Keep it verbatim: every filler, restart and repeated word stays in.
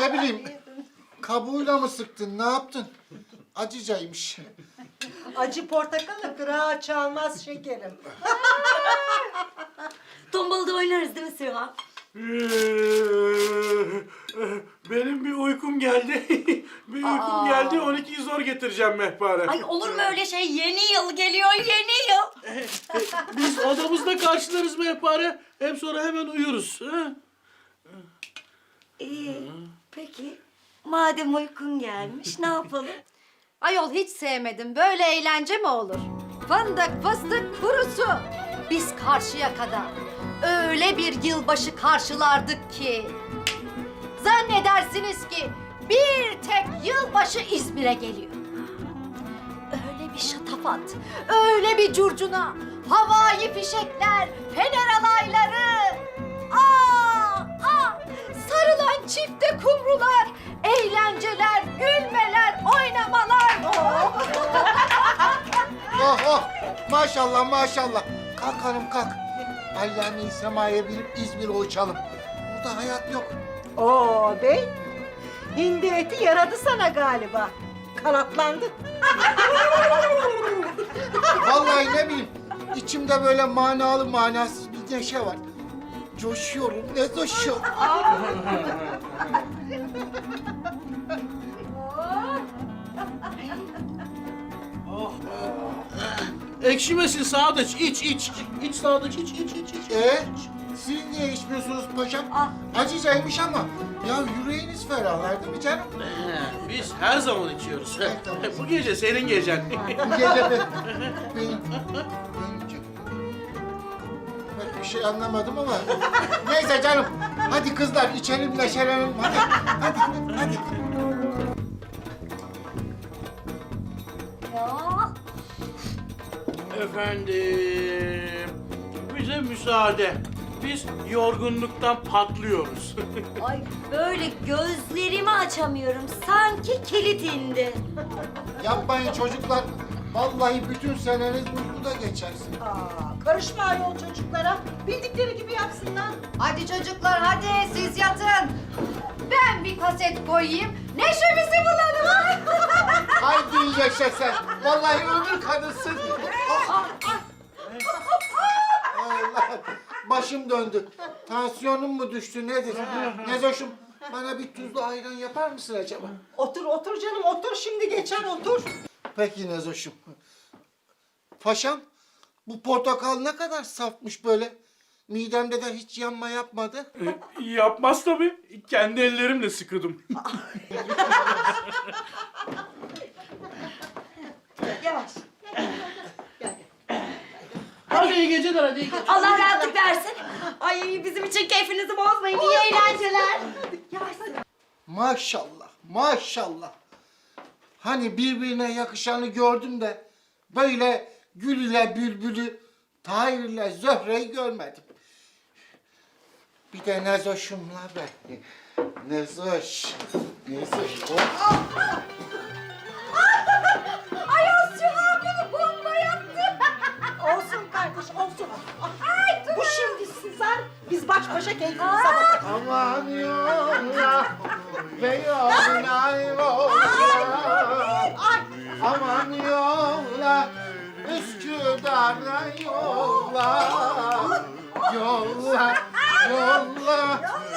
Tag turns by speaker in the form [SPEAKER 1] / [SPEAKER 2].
[SPEAKER 1] Ne bileyim, kabuğuyla mı sıktın, ne yaptın? Acıcaymış.
[SPEAKER 2] Acı portakalı kırağa çalmaz şekerim.
[SPEAKER 3] Tombalada oynarız değil mi Süha?
[SPEAKER 4] Benim bir uykum geldi. bir uykum
[SPEAKER 3] Aa.
[SPEAKER 4] geldi. on ikiyi zor getireceğim Mehpare.
[SPEAKER 3] Ay olur mu öyle şey? Yeni yıl geliyor, yeni yıl.
[SPEAKER 4] Biz odamızda karşılarız Mehpare. Hem sonra hemen uyuruz. Ha?
[SPEAKER 3] İyi, peki. Madem uykun gelmiş, ne yapalım?
[SPEAKER 5] Ayol hiç sevmedim. Böyle eğlence mi olur? Fındık, fıstık, kurusu. Biz karşıya kadar öyle bir yılbaşı karşılardık ki. Zannedersiniz ki bir tek yılbaşı İzmir'e geliyor. Öyle bir şatafat, öyle bir curcuna, havai fişekler, fener alayları. Aa, aa, sarılan çifte kumrular, eğlenceler, gülmeler, oynamalar. Oh.
[SPEAKER 1] Oh oh, maşallah maşallah. Kalk hanım kalk. Allame'yi semaya binip İzmir'e uçalım. Burada hayat yok.
[SPEAKER 2] Oo bey, hindi eti yaradı sana galiba. Kanatlandı.
[SPEAKER 1] Vallahi ne bileyim, içimde böyle manalı manasız bir neşe var. Coşuyorum, ne coşuyorum.
[SPEAKER 4] Ekşimesin Sadıç. İç iç. İç Sadıç iç iç iç iç.
[SPEAKER 1] Ee, siz niye içmiyorsunuz paşam? Acıcaymış ama. Ya yüreğiniz ferahlar değil mi canım?
[SPEAKER 4] He, Biz her zaman içiyoruz.
[SPEAKER 1] tamam.
[SPEAKER 4] Bu gece senin gecen.
[SPEAKER 1] Bu gece be, benim, benim gecem. Ben bir şey anlamadım ama. Neyse canım, hadi kızlar içelim neşelenelim. Hadi, hadi, hadi.
[SPEAKER 3] Ya,
[SPEAKER 4] Efendim, bize müsaade. Biz yorgunluktan patlıyoruz.
[SPEAKER 3] ay böyle gözlerimi açamıyorum. Sanki kilit indi.
[SPEAKER 1] Yapmayın çocuklar. Vallahi bütün seneniz uykuda geçersin.
[SPEAKER 2] Aa, karışma ayol çocuklara. Bildikleri gibi yapsınlar.
[SPEAKER 5] Hadi çocuklar hadi siz yatın. Ben bir kaset koyayım. Neşemizi bulalım.
[SPEAKER 1] Haydi yaşa sen. Vallahi ömür kadınsın. Oh. Allah, başım döndü. Tansiyonum mu düştü nedir? Nezoş'um, bana bir tuzlu ayran yapar mısın acaba?
[SPEAKER 2] Otur otur canım otur şimdi geçer otur.
[SPEAKER 1] Peki Nezoş'um. Paşam, bu portakal ne kadar safmış böyle. Midemde de hiç yanma yapmadı.
[SPEAKER 4] Yapmaz tabii. Kendi ellerimle sıkıdım.
[SPEAKER 2] Yavaş.
[SPEAKER 4] Hadi iyi geceler, hadi iyi geceler.
[SPEAKER 3] Allah rahatlık versin. Ay bizim için keyfinizi bozmayın. İyi eğlenceler.
[SPEAKER 1] Maşallah, maşallah. Hani birbirine yakışanı gördüm de böyle Gül ile Bülbül'ü, Tahir ile Zöhre'yi görmedim. Bir de Nezoş'umla ben. Nezoş, Nezoş. Oh.
[SPEAKER 5] Ayol Süha bunu bomba yaptı.
[SPEAKER 2] Olsun kardeş olsun. Ay, bu şimdi sızar. Biz baş başa keyfimize bakalım.
[SPEAKER 1] Aman yolla, Beyoğlu'na yolla. Aman yolla, Üsküdar'a yolla. Yolla, yolla,